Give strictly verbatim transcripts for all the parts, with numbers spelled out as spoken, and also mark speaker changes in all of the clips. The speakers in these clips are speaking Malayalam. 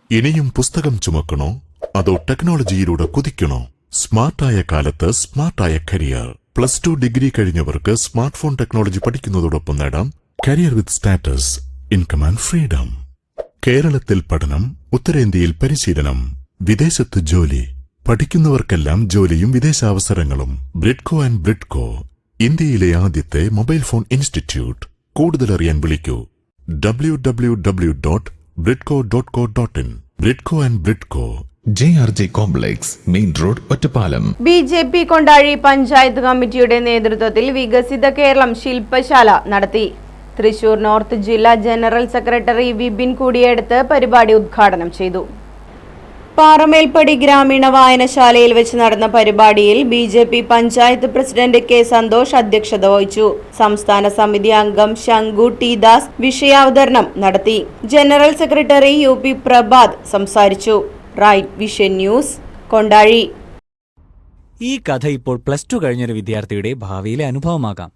Speaker 1: ഇനിയും പുസ്തകം ചുമക്കണോ അതോ ടെക്നോളജിയിലൂടെ കുതിക്കണോ? സ്മാർട്ടായ കാലത്ത് സ്മാർട്ടായ കരിയർ. പ്ലസ് ടു ഡിഗ്രി കഴിഞ്ഞവർക്ക് സ്മാർട്ട് ഫോൺ ടെക്നോളജി പഠിക്കുന്നതോടൊപ്പം നേടാം career with status, income and freedom. കേരളത്തിൽ പഠനം, ഉത്തരേന്ത്യയിൽ പരിശീലനം, വിദേശത്ത് ജോലി. പഠിക്കുന്നവർക്കെല്ലാം ജോലിയും വിദേശാവസരങ്ങളും. ബ്രിഡ്കോ ആൻഡ് ബ്രിഡ്കോ, ഇന്ത്യയിലെ ആദ്യത്തെ മൊബൈൽ ഫോൺ ഇൻസ്റ്റിറ്റ്യൂട്ട്. കൂടുതലറിയാൻ വിളിക്കൂ W W W dot Bridco dot co dot in. Bridco and Bridco,
Speaker 2: J R J complex, main road, Ottapalam.
Speaker 3: B J P Kondazhy panchayat കമ്മിറ്റിയുടെ നേതൃത്വത്തിൽ വികസിത കേരളം ശില്പശാല നടത്തി. തൃശൂർ നോർത്ത് ജില്ലാ ജനറൽ സെക്രട്ടറി വിപിൻ കൂടിയെടുത്ത് പരിപാടി ഉദ്ഘാടനം ചെയ്തു. പാറമേൽപ്പടി ഗ്രാമീണ വായനശാലയിൽ വെച്ച് നടന്ന പരിപാടിയിൽ B J P panchayat president K Santhosh അധ്യക്ഷത വഹിച്ചു. സംസ്ഥാന സമിതി അംഗം ശങ്കു ടി ദാസ് വിഷയാവതരണം നടത്തി. General secretary U P Prabhat സംസാരിച്ചു. Right vision news, Kondazhy.
Speaker 4: ഈ കഥ ഇപ്പോൾ പ്ലസ് ടു കഴിഞ്ഞൊരു വിദ്യാർത്ഥിയുടെ ഭാവിയിലെ അനുഭവമാകാം.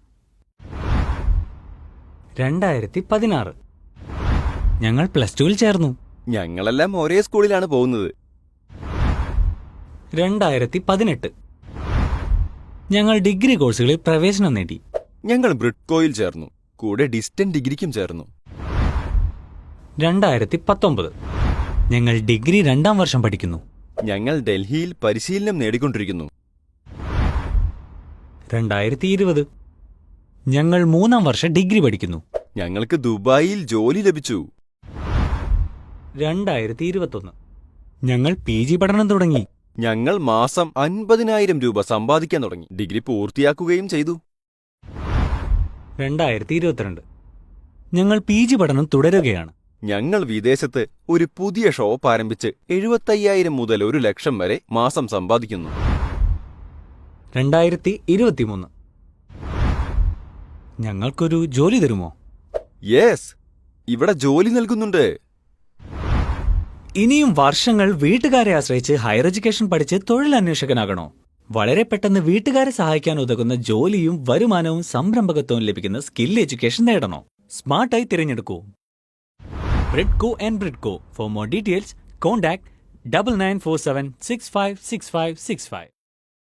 Speaker 4: രണ്ടായിരത്തി പതിനാറ് ഞങ്ങൾ പ്ലസ് ടുവിൽ ചേർന്നു.
Speaker 5: ഞങ്ങളെല്ലാം ഒരേ സ്കൂളിലാണ് പോകുന്നത്.
Speaker 4: രണ്ടായിരത്തി പതിനെട്ട് ഞങ്ങൾ ഡിഗ്രി കോഴ്സുകളിൽ പ്രവേശനം നേടി.
Speaker 5: ഞങ്ങൾ ബ്രിഡ്കോയിൽ ചേർന്നു, കൂടെ ഡിസ്റ്റന്റ് ഡിഗ്രിക്കും ചേർന്നു.
Speaker 4: രണ്ടായിരത്തി പത്തൊമ്പത് ഞങ്ങൾ ഡിഗ്രി രണ്ടാം വർഷം പഠിക്കുന്നു.
Speaker 5: ഞങ്ങൾ ഡൽഹിയിൽ പരിശീലനം നേടിക്കൊണ്ടിരിക്കുന്നു.
Speaker 4: രണ്ടായിരത്തി ഇരുപത് ഞങ്ങൾ മൂന്നാം വർഷം ഡിഗ്രി പഠിക്കുന്നു.
Speaker 5: ഞങ്ങൾക്ക് ദുബായിൽ ജോലി ലഭിച്ചു.
Speaker 4: രണ്ടായിരത്തി ഇരുപത്തൊന്ന് ഞങ്ങൾ പി ജി പഠനം തുടങ്ങി.
Speaker 5: ഞങ്ങൾ മാസം അൻപതിനായിരം രൂപ സമ്പാദിക്കാൻ തുടങ്ങി. ഡിഗ്രി പൂർത്തിയാക്കുകയും ചെയ്തു.
Speaker 4: രണ്ടായിരത്തി ഇരുപത്തിരണ്ട് ഞങ്ങൾ പി ജി പഠനം തുടരുകയാണ്.
Speaker 5: ഞങ്ങൾ വിദേശത്ത് ഒരു പുതിയ ഷോപ്പ് ആരംഭിച്ച് എഴുപത്തയ്യായിരം മുതൽ ഒരു ലക്ഷം വരെ മാസം സമ്പാദിക്കുന്നു.
Speaker 4: രണ്ടായിരത്തി ഇരുപത്തിമൂന്ന് ഞങ്ങൾക്കൊരു ജോലി തരുമോ?
Speaker 5: യെസ്, ഇവിടെ ജോലി നൽകുന്നുണ്ട്.
Speaker 4: ഇനിയും വർഷങ്ങൾ വീട്ടുകാരെ ആശ്രയിച്ച് ഹയർ എഡ്യൂക്കേഷൻ പഠിച്ച് തൊഴിലന്വേഷകനാകണോ? വളരെ പെട്ടെന്ന് വീട്ടുകാരെ സഹായിക്കാൻ ഉതകുന്ന ജോലിയും വരുമാനവും സംരംഭകത്വവും ലഭിക്കുന്ന സ്കിൽ എഡ്യൂക്കേഷൻ നേടണോ? സ്മാർട്ടായി തിരഞ്ഞെടുക്കൂ Bridco and Bridco. For more details contact double nine four seven six five six five six five.